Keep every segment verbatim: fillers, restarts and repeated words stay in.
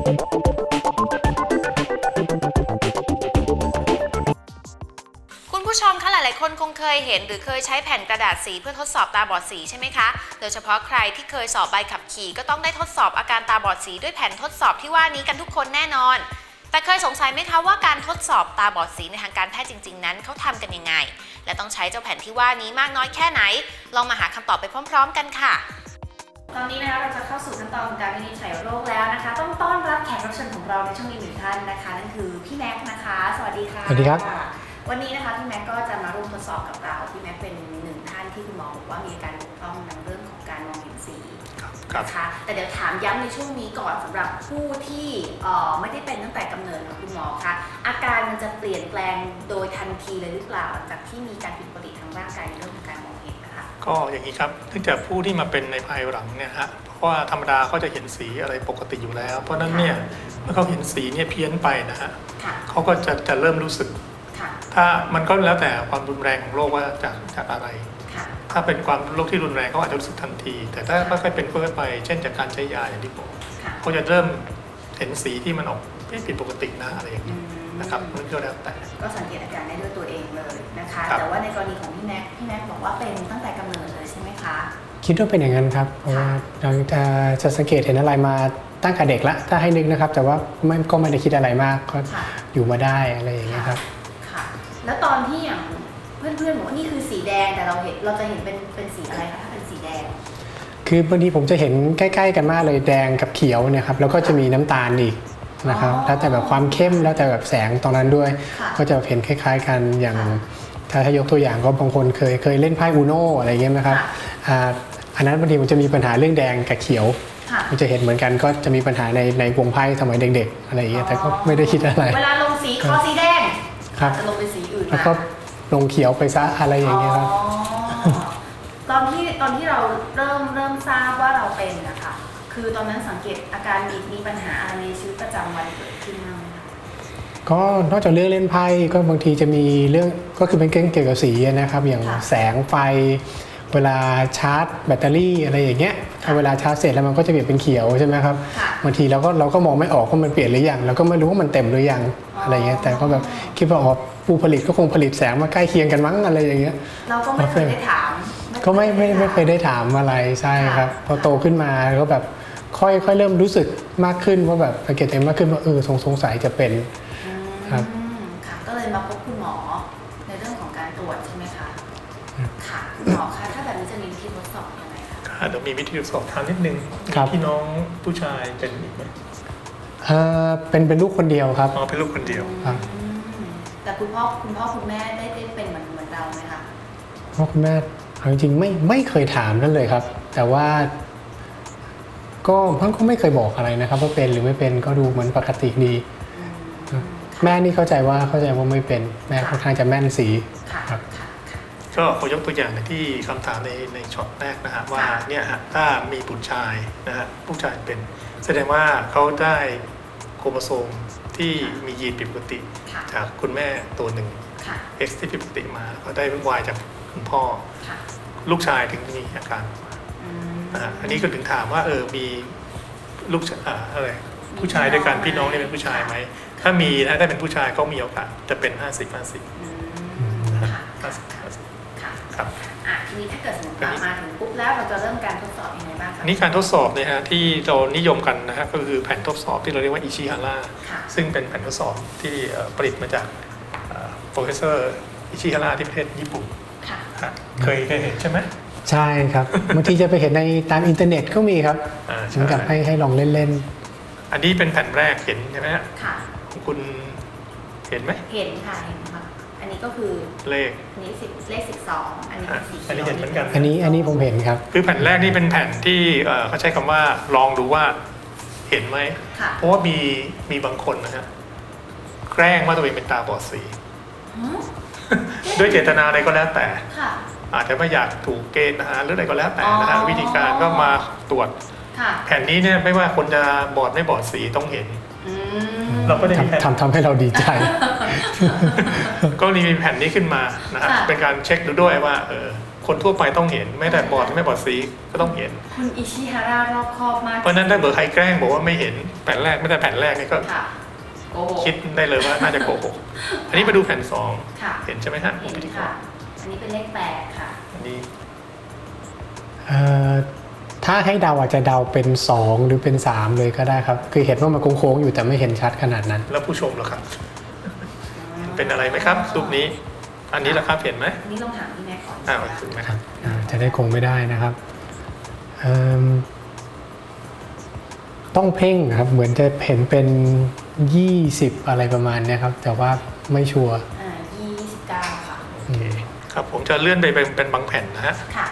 คุณผู้ชมคะหลายๆคนคงเคยเห็นหรือเคยใช้แผ่นกระดาษสีเพื่อทดสอบตาบอดสีใช่ไหมคะโดยเฉพาะใครที่เคยสอบใบขับขี่ก็ต้องได้ทดสอบอาการตาบอดสีด้วยแผ่นทดสอบที่ว่านี้กันทุกคนแน่นอนแต่เคยสงสัยไหมคะว่าการทดสอบตาบอดสีในทางการแพทย์จริงๆนั้นเขาทำกันยังไงและต้องใช้เจ้าแผ่นที่ว่านี้มากน้อยแค่ไหนลองมาหาคำตอบไปพร้อมๆกันค่ะตอนนี้นะคะเราจะเข้าสู่ขั้นตอนของการวินิจฉัยโรคแล้วนะคะต้องต้อนรับแขกรับเชิญของเราในช่วงนี้หนึ่งท่านนะคะนั่นคือพี่แม็กซ์นะคะสวัสดีค่ะสวัสดีครับวันนี้นะคะพี่แม็กก็จะมาร่วมทดสอบกับเราพี่แม็กเป็นหนึ่งท่านที่คุณหมอบอกว่ามีอาการบกพร่องในเรื่องของการมองเห็นสีนะคะแต่เดี๋ยวถามย้ำในช่วงนี้ก่อนสำหรับผู้ที่ไม่ได้เป็นตั้งแต่กำเนิดของคุณหมอคะอาการมันจะเปลี่ยนแปลงโดยทันทีเลยหรือเปล่าหลังจากที่มีการผิดปกติทางร่างกายในเรื่องของการมองเห็นนะคะก็อย่างนี้ครับเนื่องจากผู้ที่มาเป็นในภายหลังเนี่ยฮะเพราะว่าธรรมดาเขาจะเห็นสีอะไรปกติอยู่แล้วเพราะนั้นเนี่ยเมื่อเขาเห็นสีเนี่ยเพี้ยนไปนะฮะเขาก็จะจะเริ่มรู้สึกถ้ามันก็แล้วแต่ความรุนแรงของโรคว่าจากจากอะไรถ้าเป็นความโรคที่รุนแรงเขาอาจจะรู้สึกทันทีแต่ถ้าค่อยๆเป็นค่อยๆไปเช่นจากการใช้ยาอย่างที่บอกเขาจะเริ่มเห็นสีที่มันออกผิดปกตินะอะไรอย่างนี้นะครับมันก็แล้วแต่ก็สังเกตอาการได้ด้วยตัวเองเลยนะคะแต่ว่าในกรณีของพี่แม็กพี่แม็กบอกว่าเป็นตั้งแต่กำเนิดเลยใช่ไหมคะคิดว่าเป็นอย่างนั้นครับเพราะว่าเราจะจะสังเกตเห็นอะไรมาตั้งแต่เด็กละถ้าให้นึกนะครับแต่ว่าไม่ก็ไม่ได้คิดอะไรมากก็อยู่มาได้อะไรอย่างเงี้ยครับค่ะแล้วตอนที่อย่างเพื่อนๆบอกว่านี่คือสีแดงแต่เราเห็นเราจะเห็นเป็นเป็นสีอะไรคะถ้าเป็นสีแดงคือบางทีผมจะเห็นใกล้ๆกันมากเลยแดงกับเขียวเนี่ยครับแล้วก็จะมีน้ำตาลอีกนะครับแล้วแต่แบบความเข้มแล้วแต่แบบแสงตรงนั้นด้วยก็จะเห็นคล้ายๆกันอย่างถ้าถ้ายกตัวอย่างก็บางคนเคยเคยเล่นไพ่อูโน่อะไรเงี้ยนะครับอันนั้นบางทีมันจะมีปัญหาเรื่องแดงกับเขียวมันจะเห็นเหมือนกันก็จะมีปัญหาในในวงไพ่สมัยเด็กๆอะไรอย่างเงี้ยแต่ก็ไม่ได้คิดอะไรเวลาลงสีคอสีแดงจะลงเป็นสีอื่นแล้วก็ลงเขียวไปซะอะไรอย่างเงี้ยครับตอนที่ตอนที่เราเริ่มเริ่มทราบว่าเราเป็นนะคะคือตอนนั้นสังเกตอาการมีมีปัญหาอะไรในชีวิตประจำวันเกิดขึ้นบ้างก็นอกจากเรื่องเล่นไพ่ก็บางทีจะมีเรื่องก็คือเป็นเกี่ยวกับสีนะครับอย่างแสงไฟเวลาชาร์จแบตเตอรี่อะไรอย่างเงี้ยเวลาชาร์จเสร็จแล้วมันก็จะเปลี่ยนเป็นเขียวใช่ไหมครับบางทีเราก็เราก็มองไม่ออกว่ามันเปลี่ยนหรือยังเราก็ไม่รู้ว่ามันเต็มหรือยังอะไรเงี้ยแต่ก็แบบคิดว่าอ๋อผู้ผลิตก็คงผลิตแสงมาใกล้เคียงกันมั้งอะไรอย่างเงี้ยเราก็ไม่เคยได้ถามก็ไม่ไม่ไม่เคยได้ถามอะไรใช่ครับพอโตขึ้นมาก็แบบค่อยค่อยเริ่มรู้สึกมากขึ้นว่าแบบสังเกตเองมากขึ้นว่าเออสงสัยจะเป็นครับค่ะก็เลยมาพบคุณหมอในเรื่องของการตรวจใช่ไหมคะค่ะคุณหมอคะถ้าแบบนี้จะมีวิธีทดสอบยังไงคะเดี๋ยวมีวิธีทดสอบทางนิดนึงพี่น้องผู้ชายเป็นอีกไหมเออเป็นเป็นลูกคนเดียวครับอ๋อเป็นลูกคนเดียวครับแต่คุณพ่อคุณพ่อคุณแม่ได้ได้เป็นเหมือนเหมือนเราไหมคะพ่อคุณแม่จริงๆไม่ไม่เคยถามนั่นเลยครับแต่ว่าก็ท่านก็ไม่เคยบอกอะไรนะครับว่าเป็นหรือไม่เป็นก็ดูเหมือนปกติดีแม่นี่เข้าใจว่าเข้าใจว่าไม่เป็นแม่ค่อนข้างจะแม่นสีครับก็ขอยกตัวอย่างในที่คำถามในในช็อตแรกนะฮะว่าเนี่ยฮะถ้ามีบุตรชายนะฮะผู้ชายเป็นแสดงว่าเขาได้โครโมโซมที่มียีนผิดปกติจากคุณแม่ตัวหนึ่ง X ที่ผิดปกติมาเขาได้ Y จากคุณพ่อลูกชายถึงมีอาการนะฮะอันนี้ก็ถึงถามว่าเออมีลูกอะไรผู้ชายด้วยกันพี่น้องนี่เป็นผู้ชายไหมถ้ามีนะถ้าเป็นผู้ชายก็มีโอกาสจะเป็นห้าสิบ ห้าสิบครับอ่ะทีนี้ถ้าเกิดสมมติมาถึงปุ๊บแล้วเราจะเริ่มการทดสอบยังไงบ้างคะนี่การทดสอบเนี่ยฮะที่เรานิยมกันนะฮะก็คือแผ่นทดสอบที่เราเรียกว่าอิชิฮาระซึ่งเป็นแผ่นทดสอบที่ผลิตมาจากโปรเฟสเซอร์อิชิฮาระที่ประเทศญี่ปุ่นเคยเคยเห็นใช่ไหมใช่ครับบางทีจะไปเห็นในตามอินเทอร์เน็ตก็มีครับเหมือนกับให้ให้ลองเล่นๆอันนี้เป็นแผ่นแรกเห็นใช่ไหมค่ะคุณเห็นไหมเห็นค่ะเห็นค่ะอันนี้ก็คือเลขนี้สิบเลขสิบสองอันนี้สีอันนี้เห็นเหมือนกันอันนี้อันนี้ผมเห็นครับคือแผ่นแรกนี่เป็นแผ่นที่เขาใช้คำว่าลองดูว่าเห็นไหมเพราะว่ามีมีบางคนนะฮะแกล้งว่าตัวเองเป็นตาบอดสีด้วยเจตนาอะไรก็แล้วแต่อาจจะไม่อยากถูกเกณฑ์อาหารหรืออะไรก็แล้วแต่นะฮะวิธีการก็มาตรวจแผ่นนี้เนี่ยไม่ว่าคนจะบอดไม่บอดสีต้องเห็นเราก็ได้ทำทำให้เราดีใจก็มีแผ่นนี้ขึ้นมานะฮะเป็นการเช็คดูด้วยว่าเออคนทั่วไปต้องเห็นแม้แต่บอร์ดไม่บอร์ดสีก็ต้องเห็นคุณอิชิฮาระรอบคอบมากเพราะฉะนั้นถ้าเบอร์ใครแกล้งบอกว่าไม่เห็นแผ่นแรกไม่แต่แผ่นแรกนี่ก็ค่ะโกหกคิดได้เลยว่าน่าจะโกหกอันนี้มาดูแผ่นสองค่ะเห็นใช่ไหมฮะเห็นค่ะ อันนี้เป็นเลขแปดค่ะอันนี้เอ่อถ้าให้เดาอาจจะเดาเป็นสองหรือเป็นสามเลยก็ได้ครับคือเห็นว่ามันโค้งๆอยู่แต่ไม่เห็นชัดขนาดนั้นแล้วผู้ชมล่ะครับ เป็นอะไรไหมครับรูปนี้ อันนี้ล่ะครับเห็นไหมอันนี้ลองถามพี่แม็กก่อนอ้าวคุณแม่ครับอ่าจะได้คงไม่ได้นะครับเอิ่มต้องเพ่งครับเหมือนจะเห็นเป็นยี่สิบอะไรประมาณเนี้ยครับแต่ว่าไม่ชัวร์อ่ายี่สิบเก้าค่ะโอเคครับผมจะเลื่อนไปเป็นเป็นบางแผ่นนะฮะค่ะ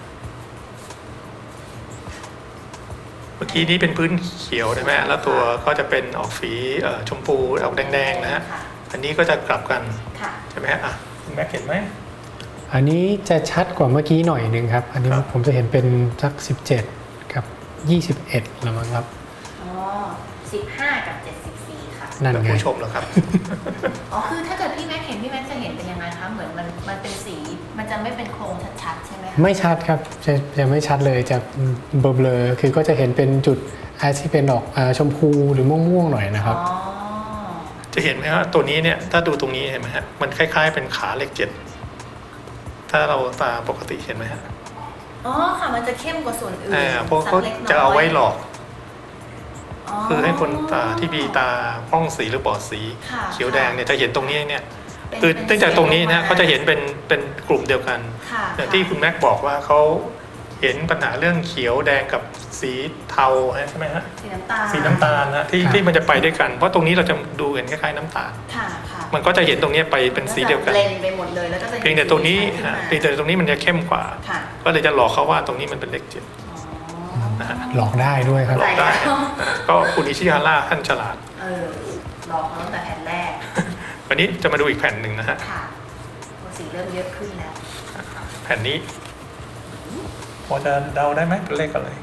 เมื่อกี้นี้เป็นพื้นเขียวใช่ไหมแล้วตัวก็จะเป็นออกสีเอ่อชมพูออกแดงๆนะฮะค่ะอันนี้ก็จะกลับกันค่ะใช่ไหมฮะอ่ะคุณแม็กเห็นไหมอันนี้จะชัดกว่าเมื่อกี้หน่อยนึงครับ อันนี้ครับผมจะเห็นเป็นสักสิบเจ็ดกับยี่สิบเอ็ดแล้วมั้งครับอ๋อสิบห้ากับเจ็ดสิบสี่ค่ะนั่นแล้วไงผู้ชมล่ะครับอ๋อ คือถ้าเกิดพี่แม็กเห็นพี่แม็กจะเห็นเป็นยังไงคะ เหมือนมันมันเป็นสี มันจะไม่เป็นโครงชัดๆใช่ไหมคะไม่ชัดครับจะจะไม่ชัดเลยจะเบลอๆคือก็จะเห็นเป็นจุดอาที่เป็นออกอาชมพูหรือม่วงๆหน่อยนะครับอ๋อจะเห็นไหมฮะตัวนี้เนี่ยถ้าดูตรงนี้เห็นไหมฮะมันคล้ายๆเป็นขาเลขเจ็ดถ้าเราตาปกติเห็นไหมฮะอ๋อ ค่ะ มันจะเข้มกว่าส่วนอื่นอ่าเพราะสักเขาล็กน้ยจะเอาไว้หลอกอ๋อคือให้คนตาที่มีตาป้องสีหรือบอดสีค่ะเขียวแดงเนี่ยจะเห็นตรงนี้เนี่ยเป็นคือเป็นเนื่องจากตรงนี้นะสีเขาจะเห็นเป็นเป็นกลุ่มเดียวกันค่ะอย่างที่คุณแม็กบอกว่าเขาเห็นปัญหาเรื่องเขียวแดงกับสีเทาใช่ไหมฮะสีน้ำตาลสีน้ำตาลนะที่ครับที่มันจะไปด้วยกัน เพราะตรงนี้เราจะดูเห็นคล้ายๆน้ำตาลค่ะ ค่ะมันก็จะเห็นตรงนี้ไปเป็นสีเดียวกันเลนไปหมดเลย แล้วก็จะเพียงแต่ตรงนี้สีฮะขึ้นมาเพียงแต่ตรงนี้มันจะเข้มกว่าค่ะก็เลยจะหลอกเขาว่าตรงนี้มันเป็นเลขเจ็ดอ๋อนะฮะหลอกได้ด้วยครับหลอกได้ใจแล้วก็คุณอิชิฮาร่าท่านฉลาดเออหลอกเขาตั้งแต่แผ่นแรกวันนี้จะมาดูอีกแผ่นหนึ่งนะฮะค่ะตัวสีเริ่มเยอะขึ้นแล้วแผ่นนี้พอจะเดาได้ไหมเป็นเลขอะไร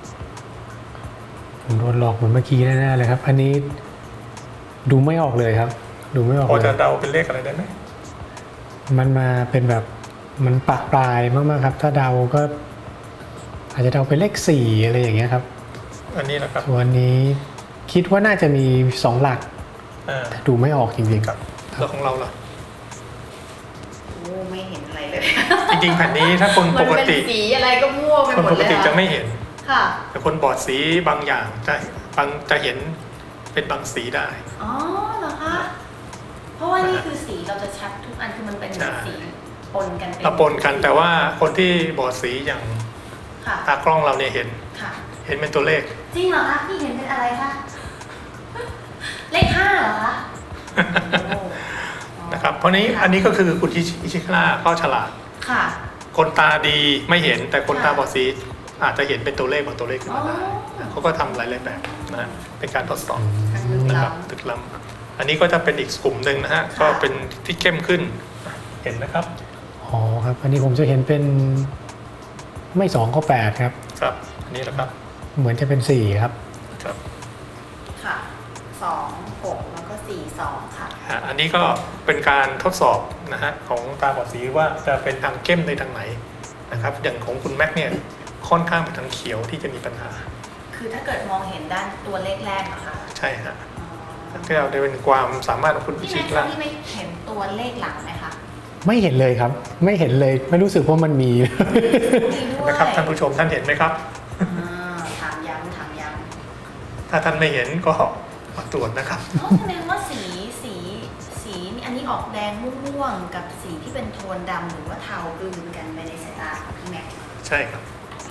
ผมโดนหลอกเหมือนเมื่อกี้แน่ๆเลยครับ อันนี้ดูไม่ออกเลยครับ ดูไม่ออกพอเลจะยเดาเป็นเลขอะไรได้ไหมมันมาเป็นแบบมันปะปลายมากๆครับ ถ้าเดาก็ อาจจะเดาเป็นเลขสี่อะไรอย่างเงี้ยครับอันนี้นะครับส่วนนี้คิดว่าน่าจะมีสองหลักอ่าแต่ดูไม่ออกจริงๆครับแล้วของเราล่ะโอ้ไม่เห็นอะไรเลยจริงๆแผ่นนี้ถ้าคนปกติมันเป็นสีอะไรก็มั่วไปคนหมดปเลกยติจะไม่เห็นค่ะแต่คนบอดสีบางอย่างจะบางจะเห็นเป็นบางสีได้อ๋อเหรอคะ เพราะว่านี่คือสีเราจะชัดทุกอันคือมันเป็นใช่สีปนกันเราปนกันแต่ว่าคนที่บอดสีอย่างค่ะตากล้องเราเนี่ยเห็นค่ะเห็นเป็นตัวเลขจริงเหรอคะพี่เห็นเป็นอะไรคะเลขห้าเหรอคะโอ้นะครับเพราะนี้อันนี้ก็คือคุณอิชิคาร่าเขาฉลาดค่ะคนตาดีไม่เห็นแต่คนค่ะตาบอดสีอาจจะเห็นเป็นตัวเลขบางตัวเลขขึ้นมาได้อ๋อเขาก็ทำหลายๆแบบนะฮะเป็นการทดสอบทางลึกนะคล้รับตึกลำอันนี้ก็จะเป็นอีกกลุ่มหนึ่งนะฮะก็เป็นที่เข้มขึ้นเห็นไหมครับอ๋อครับ อันนี้ผมจะเห็นเป็นไม่สองก็แปดครับครับอันนี้แหละครับเหมือนจะเป็นสี่ครับครับำค่ะสองหกแล้วก็สี่สองค่ะอ่ะอันนี้ก็เป็นการทดสอบนะฮะของตาบอดสีว่าจะเป็นทางเข้มในทางไหนนะครับอย่างของคุณแม็กเนี่ยค่อนข้างไปทางเขียวที่จะมีปัญหาคือถ้าเกิดมองเห็นด้านตัวเลขแรกเหรอคะใช่ฮะอ๋อก็จะเป็นความสามารถของคุณพิพี่ชิแม็ตกซ์ละพี่ไม่เห็นตัวเลขหลังไหมคะไม่เห็นเลยครับ ไม่เห็นเลยไม่รู้สึกว่ามันมีมีด้วยนะครับท่านผู้ชมท่านเห็นไหมครับอ่าถามย้ำถามย้ถ้าท่านไม่เห็นก็มาตรวจนะครับำอ๋อแสดงว่าสีสีสีนี่อันนี้ออกแดงม่วงๆกับสีที่เป็นโทนดำหรือว่าเทากลืนกันไปในสายตาของพี่แม็กซ์ใช่ครับ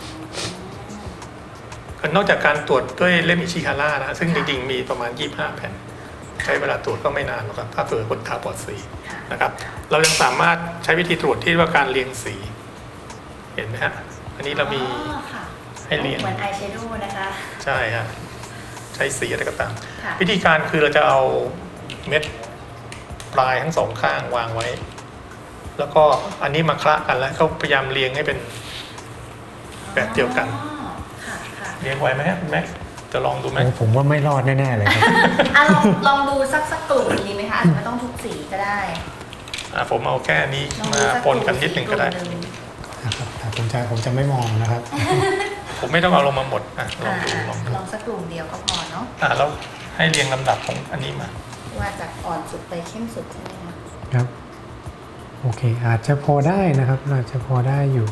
นอกจากการตรวจด้วยเล่มอิชิคาร่านะซึ่งจริงๆมีประมาณยี่สิบห้าแผ่นใช้เวลาตรวจก็ไม่นานหรอกครับถ้าเผื่อคนตาบอดสีค่ะนะครับเรายังสามารถใช้วิธีตรวจที่เรียกว่าการเรียงสี เห็นไหมฮะอันนี้เรามีอ๋อค่ะให้เรียงเหมือนอายแชโดว์นะคะใช่ฮะใช้สีอะไรก็ตามค่ะวิธีการคือเราจะเอาเม็ดปลายทั้งสองข้างวางไว้ แล้วก็อันนี้มาคละกันแล้วก็พยายามเรียงให้เป็นแบบเดียวกันอ๋อค่ะค่ะเรียงไว้ไหมฮะคุณแม็กจะลองดูไหมโอ้ผมว่าไม่รอดแน่ๆเลยครับอ่ะลองลองดูสักสักกลุ่มดีไหมคะอาจจะไม่ต้องทุกสีก็ได้อ่ะผมเอาแค่นี้ลองมาดูสัปนกันนิดหนึ่งก็ได้ลุ่มหนึ่งผมจะผมจะไม่มองนะครับผมไม่ต้องเอาลงมาหมดอ่ะลองดูลองดูลองสักกลุ่มเดียวก็พอเนาะอ่ะแล้วให้เรียงลำดับของอันนี้มาว่าจากอ่อนสุดไปเข้มสุดใช่ไหมคะครับโอเคอาจจะพอได้นะครับอาจจะพอได้อยู่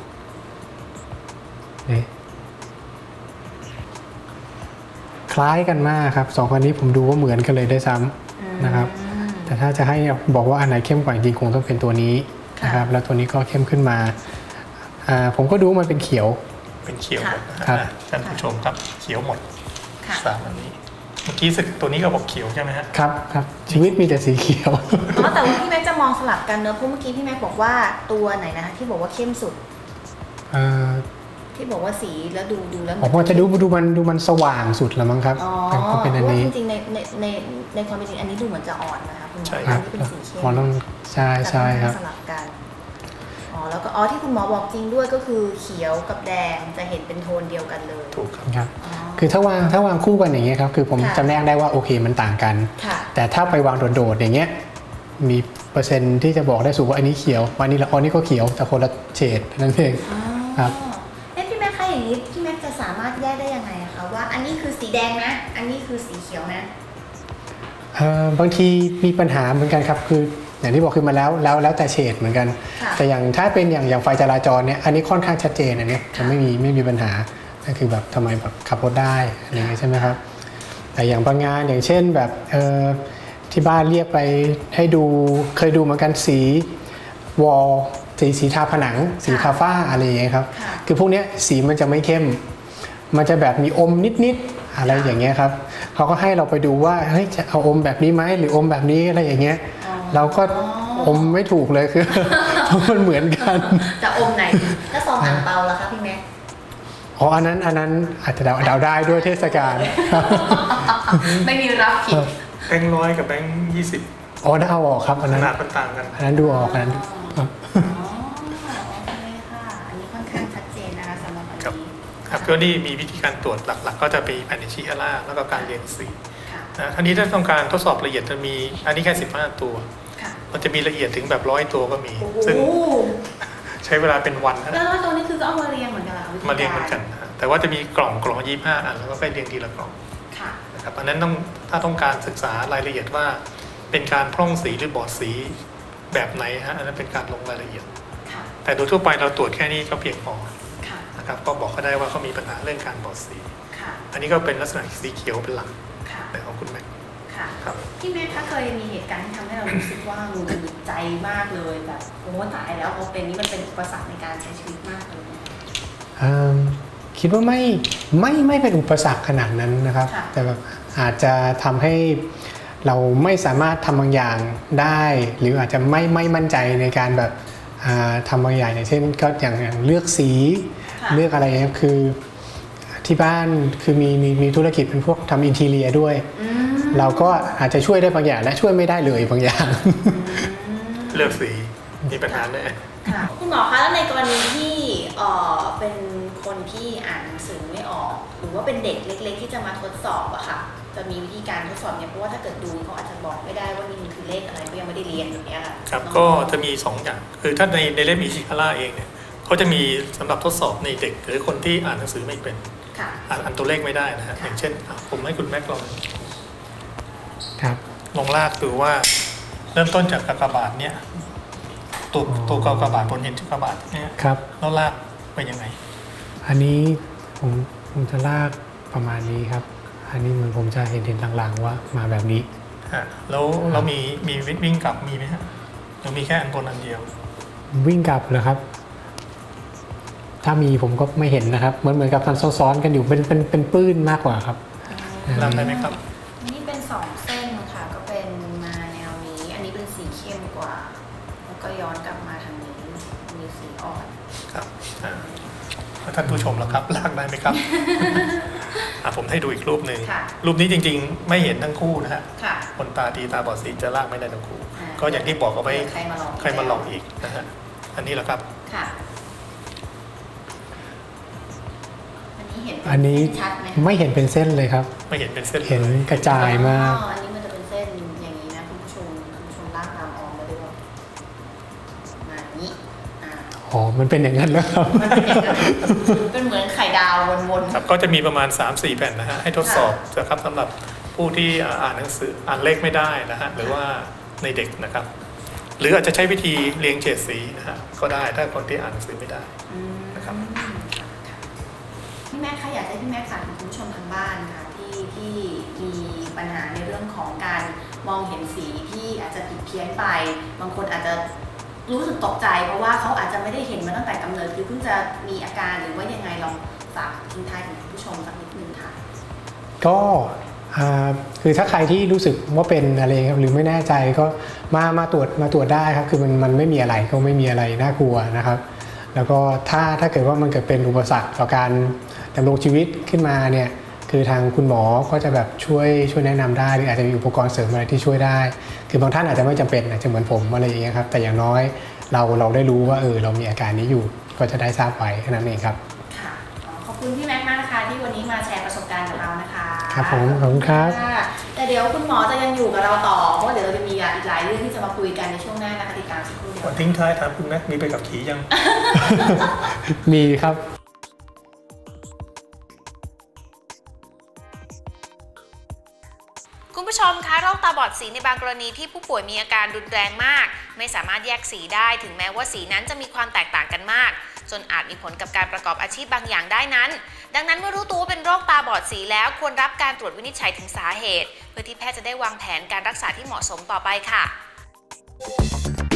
เนี่ยคล้ายกันมากครับสองคนนี้ผมดูว่าเหมือนกันเลยได้วยซ้ำนะครับแต่ถ้าจะให้บอกว่าอันไหนเข้มกว่าจริงคงต้องเป็นตัวนี้นะครับแล้วตัวนี้ก็เข้มขึ้นมาอ่าผมก็ดูว่ามันเป็นเขียวเป็นเขียวหมดนะครัฮะบท่านผู้ชมครับเขียวหมดค่ะสามอันนี้เมื่อกี้สึกตัวนี้ก็บอกเขียวใช่ไหมฮะครับครับชีวิตมีแต่สีเขียวอ๋อแต่ว่าพี่แม็กจะมองสลับกันเนอะเพราะเมื่อกี้พี่แม็กบอกว่าตัวไหนนะคะที่บอกว่าเข้มสุดอ่าที่บอกว่าสีแล้วดูดูแล้วเหผมืมอนว่าจะดูดูมันดูมันสว่างสุดละมั้งครับอ๋อก็เป็นอันเพราะว่านี้จริงๆในในในในความเป็นจริงอันนี้ดูเหมือนจะอ่อนนะคะคุณหมอใช่คอัรันบนี้เป็นสีเข้มหมอต้องใช่ใช่ครับแต่ต้องสลับกันอ๋อแล้วก็อ๋อที่คุณหมอบอกจริงด้วยก็คือเขียวกับแดงจะเห็นเป็นโทนเดียวกันเลยถูกครับครับอ๋อคือถ้าวางถ้าวางคู่กันอย่างเงี้ยครับคือผมค่ะจำแนกได้ว่าโอเคมันต่างกันค่ะแต่ถ้าไปวางโดดๆอย่างเงี้ยมีเปอร์เซ็นต์ที่จะบอกได้สูงว่าอันนี้เขียววันนี้ละอันนี้ก็เขียวแต่คนละเฉดนั่นเองอ๋อครับเอ๊ะพี่แม็กคะอย่างนี้พี่แม็กจะสามารถแยกได้ยังไงอะคะว่าอันนี้คือสีแดงนะ อันนี้คือสีเขียวนะเอ่อบางทีมีปัญหาเหมือนกันครับคืออย่างที่บอกคือมาแล้วแล้วแล้วแต่เฉดเหมือนกันค่ะแต่อย่างถ้าเป็นอย่างอย่างไฟจราจรเนี่ยอันนี้ค่อนข้างชัดเจนอันนี้จะไม่มีไม่มีปัญหาก็คือแบบทำไมแบบขับรถได้อะไรอย่างเงี้ยใช่ไหมครับแต่อย่างบางงานอย่างเช่นแบบเอ่อที่บ้านเรียกไปให้ดูเคยดูเหมือนกันสีวอลสีสีทาผนัง สีทาฝ้าอะไรอย่างเงี้ยครับค่ะคือพวกเนี้ยสีมันจะไม่เข้ม มันจะแบบมีอมนิดๆอะไรอย่างเงี้ยครับเขาก็ให้เราไปดูว่าเฮ้ยจะเอาอมแบบนี้ไหมหรืออมแบบนี้อะไรอย่างเงี้ยอ๋อเราก็อมไม่ถูกเลยคือ มันเหมือนกันจะอมไหนดีถ้าซองอ่างเปาล่ะคะพี่แม็กอ๋ออันนั้นอันนั้นอาจจะเดาเดาได้ด้วยเทศกาลไม่มีรับผิดแบงค์ร้อยกับแบงค์ยี่สิบอ๋อเดาออกครับอันขนั้นนาดมันต่างกันอันนั้นดูออกอันนั้นครับอ๋อโอเคค่ะ อันนี้ค่อนข้างชัดเจนนะคะสำหรับอันครับนี้ครับก็นี่มีวิธีการตรวจหลักๆ ก็จะมีแผ่นอิชิอาร่าแล้วก็การเรียงสีค่ะนะอันนี้ถ้าต้องการทดสอบละเอียดจะมีอันนี้แค่สิบห้าตัวค่ะมันจะมีละเอียดถึงแบบร้อยตัวก็มีโอ้โหซึ่งใช้เวลาเป็นวันนะแล้วตัวนี้คือก็เอามาเรียงเหมือนกันเหรอวิธีมาเรียงเหมือนกันนะแต่ว่าจะมีกล่องกล่องยี่ห้าอันแล้วก็ไปเรียงทีละกล่องค่ะนะครับอันนั้นต้องถ้าต้องการศึกษารายละเอียดว่าเป็นการพร่องสีหรือบอดสีแบบไหนฮะอันนั้นเป็นการลงรายละเอียดค่ะแต่โดยทั่วไปเราตรวจแค่นี้ก็เพียงพอค่ะนะครับก็บอกเขาได้ว่าเขามีปัญหาเรื่องการบอดสีค่ะอันนี้ก็เป็นลักษณะสีเขียวเป็นหลักค่ะแต่ของคุณแม่ค่ะครับพี่แม่คะเคยมีเหตุการณ์ที่ทำให้เรารู้สึกว่าหงุดหงิดใจมากเลยแบบโอ้ตายแล้วพอเป็นนี่มันเป็นอุปสรรคในการใช้ชีวิตมากเลยเอิ่มคิดว่าไม่ไม่ไม่เป็นอุปสรรคขนาดนั้นนะครับค่ะแต่แบบอาจจะทำให้เราไม่สามารถทำบางอย่างได้ หรืออาจจะไม่ไม่มั่นใจในการแบบอ่าทำบางอย่างอย่างเช่นก็อย่างอย่างเลือกสีค่ะเลือกอะไรเงี้ยคือที่บ้านคือมีมีมีธุรกิจเป็นพวกทำอินทีเรียด้วยอืมเราก็อาจจะช่วยได้บางอย่างและช่วยไม่ได้เลยบางอย่างอืมเลือกสีมีปัญหาแน่ค่ะคุณหมอคะแล้วในกรณีที่เอ่อเป็นคนที่อ่านหนังสือไม่ออก หรือว่าเป็นเด็กเล็ก ๆ ที่จะมาทดสอบอะค่ะ จะมีวิธีการทดสอบเนี่ยเพราะว่าถ้าเกิดดูเขาอาจจะบอกไม่ได้ว่านี่มันคือเลขอะไรเขายังไม่ได้เรียนอย่างเงี้ยค่ะครับน้องๆก็จะมีสองอย่างคือถ้าในในเล่มอิชิคาร่าเองเนี่ยเขาจะมีสำหรับทดสอบในเด็กหรือคนที่อ่านหนังสือไม่เป็นค่ะอ่านอ่านตัวเลขไม่ได้นะฮะค่ะอย่างเช่นอ่ะผมให้คุณแม็กลองครับลองลากดูว่า เริ่มต้นจากกากบาทเนี่ยตัวตัวกากบาทบนเห็นกากบาทเนี่ยครับแล้วลากไปยังไงอันนี้ผมผมจะลากประมาณนี้ครับ อันนี้เหมือนผมจะเห็นเห็นลางๆว่ามาแบบนี้ฮะแล้วเรามีมีวิ่งกลับมีไหมฮะหรือมีแค่อันบนอันเดียววิ่งกลับเหรอครับ ถ้ามีผมก็ไม่เห็นนะครับเหมือนเหมือนกับมันซ้อนๆกันอยู่เป็นเป็นเป็นปื้นมากกว่าครับลำได้ไหมครับนี่เป็นสองเส้นค่ะก็เป็นมาแนวนี้ อันนี้เป็นสีเข้มกว่า แล้วก็ย้อนกลับมาทางนี้มีสีอ่อนครับอ่าแล้วท่านผู้ชมล่ะครับลากได้ไหมครับ อ่ะผมให้ดูอีกรูปหนึ่งค่ะรูปนี้จริงๆ ไม่เห็นทั้งคู่นะฮะค่ะคนตาดีตาบอดสีจะลากไม่ได้ทั้งคู่อ่าก็อย่างที่บอกเอาไว้ใครมาลองใครมาลองอีกนะฮะอันนี้แหละครับค่ะ อันนี้เห็นอันนี้ชัดไหมไม่เห็นเป็นเส้นเลยครับไม่เห็นเป็นเส้นเห็นเลยกระจายมากอ๋ออันนี้มันจะเป็นเส้นอย่างนี้นะคุณผู้ชมคุณผู้ชมลากตามออกมาด้วยมาอย่างนี้อ่าโออ๋อมันเป็นอย่างนั้นแล้วครับมันเป็นอย่างนั้นเป็นเหมือนไข่ดาววนๆครับก็จะมีประมาณ สามสี่ แผ่นนะฮะให้ทดสอบนะครับสำหรับผู้ที่อ่านหนังสืออ่านเลขไม่ได้นะฮะหรือว่าในเด็กนะครับหรืออาจจะใช้วิธีเรียงเฉดสีนะฮะก็ได้ถ้าคนที่อ่านหนังสือไม่ได้นะครับพี่แม็กคะอยากให้พี่แม็กฝากถึงคุณผู้ชมทางบ้านค่ะที่ที่มีปัญหาในเรื่องของการมองเห็นสีที่อาจจะผิดเพี้ยนไปบางคนอาจจะรู้สึกตกใจเพราะว่าเขาอาจจะไม่ได้เห็นมาตั้งแต่กำเนิดคือเพิ่งจะมีอาการหรือว่ายังไงลองฝากทิ้งท้ายถึงคุณผู้ชมสักนิดนึงค่ะก็คือถ้าใครที่รู้สึกว่าเป็นอะไรครับหรือไม่แน่ใจก็มามาตรวจมาตรวจได้ครับคือมันมันไม่มีอะไรก็ไม่มีอะไรน่ากลัวนะครับแล้วก็ถ้าถ้าเกิดว่ามันเกิดเป็นอุปสรรคต่อการดำรงชีวิตขึ้นมาเนี่ยคือทางคุณหมอก็จะแบบช่วยช่วยแนะนำได้หรืออาจจะมีอุปกรณ์เสริมอะไรที่ช่วยได้คือบางท่านอาจจะไม่จำเป็นอาจจะเหมือนผมอะไรอย่างเงี้ยครับแต่อย่างน้อยเราเราได้รู้ว่าเออเรามีอาการนี้อยู่ก็จะได้ทราบไว้แค่นั้นเองครับค่ะขอบคุณพี่แม็กซ์มากนะคะที่วันนี้มาแชร์ประสบการณ์กับเรานะคะครับผมขอบคุณครับแต่เดี๋ยวคุณหมอจะยังอยู่กับเราต่อเพราะเดี๋ยวเราจะมีอีกหลายเรื่องที่จะมาคุยกันในช่วงหน้านะคะติดตามสักครู่เดียวทิ้งท้ายถามคุณแม็กมีไปกับขี่ยังมีครับคุณผู้ชมคะโรคตาบอดสีในบางกรณีที่ผู้ป่วยมีอาการรุนแรงมากไม่สามารถแยกสีได้ถึงแม้ว่าสีนั้นจะมีความแตกต่างกันมากจนอาจมีผลกับการประกอบอาชีพบางอย่างได้นั้นดังนั้นเมื่อรู้ตัวว่าเป็นโรคตาบอดสีแล้วควรรับการตรวจวินิจฉัยถึงสาเหตุเพื่อที่แพทย์จะได้วางแผนการรักษาที่เหมาะสมต่อไปค่ะ